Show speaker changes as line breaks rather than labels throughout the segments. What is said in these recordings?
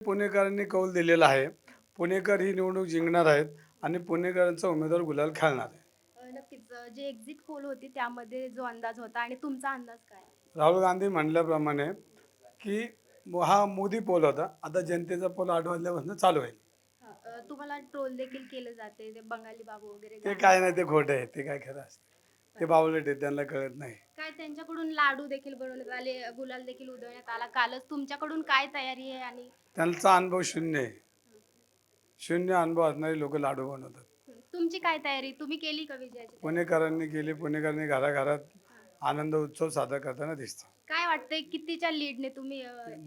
पुणेकरांनी कौल दिलेला आहे. पुणेकर ही निवडणूक जिंकणार आहेत आणि पुणेकरांचा उमेदवार गुलाल खेळणार आहे.
नक्कीच. जे एक्झिट पोल होती त्यामध्ये जो अंदाज होता आणि तुमचा अंदाज काय?
राहुल गांधी म्हणल्याप्रमाणे की हा मोदी पोल होता. आता जनतेचा पोल 8 वाजल्यापासून चालू आहे.
तुम्हाला ट्रोल देखील केलं जाते ते बंगाली बाबू वगैरे
ते
गाणं.
काय नाही, ते खोटं आहे. ते काय खरं असतं. ते बावळट आहे, त्यांना कळत नाही.
काय त्यांच्याकडून लाडू देखील बनवण्यात आले, गुलाल देखील उधळण्यात आला. कालच तुमच्याकडून काय तयारी आहे आणि
त्यांचा अनुभव शून्य आहे. शून्य अनुभव असणारे लोक लाडू बनवतात.
तुमची काय तयारी? तुम्ही केली का विजयाची तयारी?
पुणेकरांनी केली. पुणेकरांनी घराघरात आनंद उत्सव साजरा करताना दिसते.
काय वाटतंय कितीच्या लीडने तुम्ही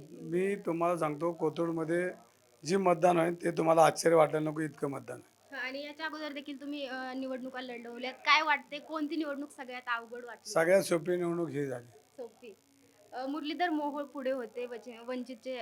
मी तुम्हाला सांगतो, कोथरूडमध्ये जी मतदान होईल ते तुम्हाला आश्चर्य वाटायला नको इतकं मतदान आहे.
आणि याच्या अगोदर देखील तुम्ही निवडणुका लढवल्यात. काय वाटते कोणती निवडणूक सगळ्यात अवघड वाटली?
सगळ्यात सोपी निवडणूक ही झाली.
सोपी. मुरलीधर मोहोळ पुढे होते, वंचितचे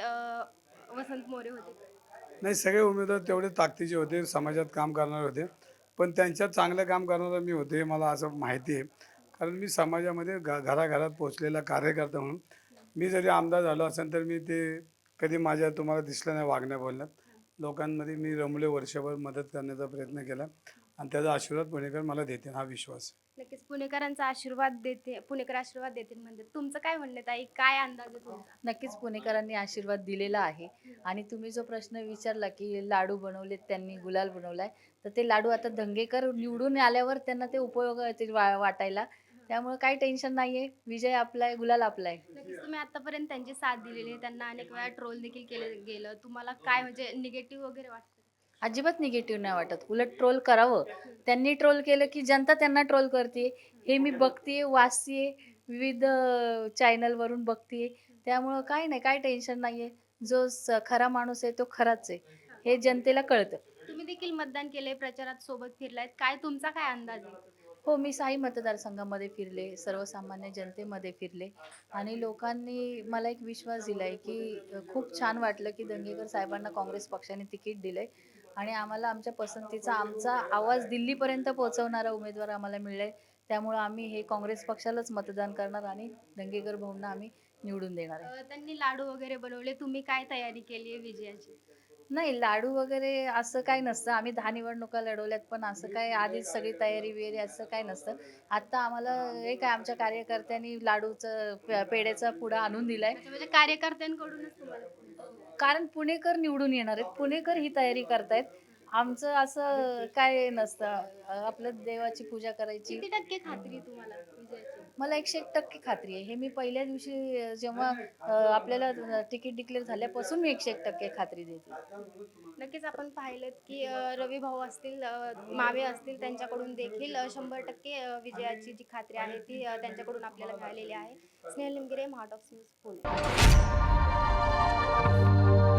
वसंत मोरे होते.
नाही, सगळे उमेदवार तेवढे ताकदीचे होते, समाजात काम करणारे होते. पण त्यांच्यात चांगलं काम करणारा मी होते हे मला असं माहिती आहे. कारण मी समाजामध्ये घराघरात पोहोचलेला कार्यकर्ता म्हणून मी जरी आमदार झालो असेल तर मी ते कधी माझ्या तुम्हाला दिसलं नाही वागण्या बोलण्यात. लोकांमध्ये मी रमले, वर्षभर मदत करण्याचा प्रयत्न केला आणि त्याचा आशीर्वाद पुणेकर मला देतील हा विश्वास आहे.
नक्कीच पुणेकरांचा आशीर्वाद देते, पुणेकर आशीर्वाद देतील म्हणजे तुमचं काय म्हणणं आहे ताई? काय अंदाज आहे तुमचा?
नक्कीच पुणेकरांनी आशीर्वाद दिलेला आहे. आणि तुम्ही जो प्रश्न विचारला की लाडू बनवलेत त्यांनी, गुलाल बनवलाय, तर ते लाडू आता दंगेकर निवडून आल्यावर त्यांना ते उपयोग येतील वाटायला. त्यामुळे काही टेन्शन नाहीये. विजय आपला आहे, गुलाल आपला आहे.
नक्कीच तुम्ही आतापर्यंत त्यांची साथ दिलेली आहे. त्यांना अनेक वेळा ट्रोल देखील केलं गेलं. तुम्हाला काय म्हणजे निगेटिव्ह वगैरे वाटतं?
अजिबात निगेटिव्ह नाही वाटत. उलट ट्रोल करावं. त्यांनी ट्रोल केलं की जनता त्यांना ट्रोल करते. हे मी बघतीये, वाचतीये, विविध चॅनलवरून बघतीये. त्यामुळं काही नाही, काही टेन्शन नाहीये. जो खरा माणूस आहे तो खराच आहे. हे जनतेला कळतं.
तुम्ही देखील मतदान केले, प्रचारात सोबत फिरलायत. काय तुमचा काय अंदाज आहे?
हो, मी 6ही मतदारसंघामध्ये फिरले, सर्वसामान्य जनतेमध्ये फिरले आणि लोकांनी मला एक विश्वास दिलाय की खूप छान वाटलं की दंगेकर साहेबांना काँग्रेस पक्षाने तिकीट दिलंय आणि आम्हाला आमच्या पसंतीचा आमचा आवाज दिल्लीपर्यंत पोहोचवणारा उमेदवार आम्हाला मिळालाय. त्यामुळं आम्ही हे काँग्रेस पक्षालाच मतदान करणार आणि दंगेकर भाऊंना आम्ही निवडून देणार आहे.
त्यांनी लाडू वगैरे बनवले. तुम्ही काय तयारी केली आहे विजयाची?
नाही, लाडू वगैरे असं काही नसतं. आम्ही 10 निवडणुका लढवल्यात, पण असं काय आधीच सगळी तयारी वगैरे असं काही नसतं. आता आम्हाला हे काय आमच्या कार्यकर्त्यांनी लाडूचं पेढ्याचा पुडा आणून दिलाय.
अच्छा, म्हणजे कार्यकर्त्यांकडूनच तुम्हाला
कारण पुणेकर निवडून येणार आहेत. पुणेकर ही तयारी करतायत. आमचं असं काय नसतं. आपलं देवाची पूजा करायची.
किती टक्के खात्री आहे तुम्हाला विजयाची?
मला 101% खात्री आहे. हे मी पहिल्या दिवशी जेव्हा आपल्याला तिकीट डिक्लेअर झाल्यापासून मी 101% खात्री देते.
नक्कीच आपण पाहिलेत की रवी भाऊ असतील, मावे असतील, त्यांच्याकडून देखील 100% विजयाची जी खात्री आहे ती त्यांच्याकडून आपल्याला मिळालेली आहे. स्नेहल निमगिरे, महाटॉक्स न्यूज, पुणे.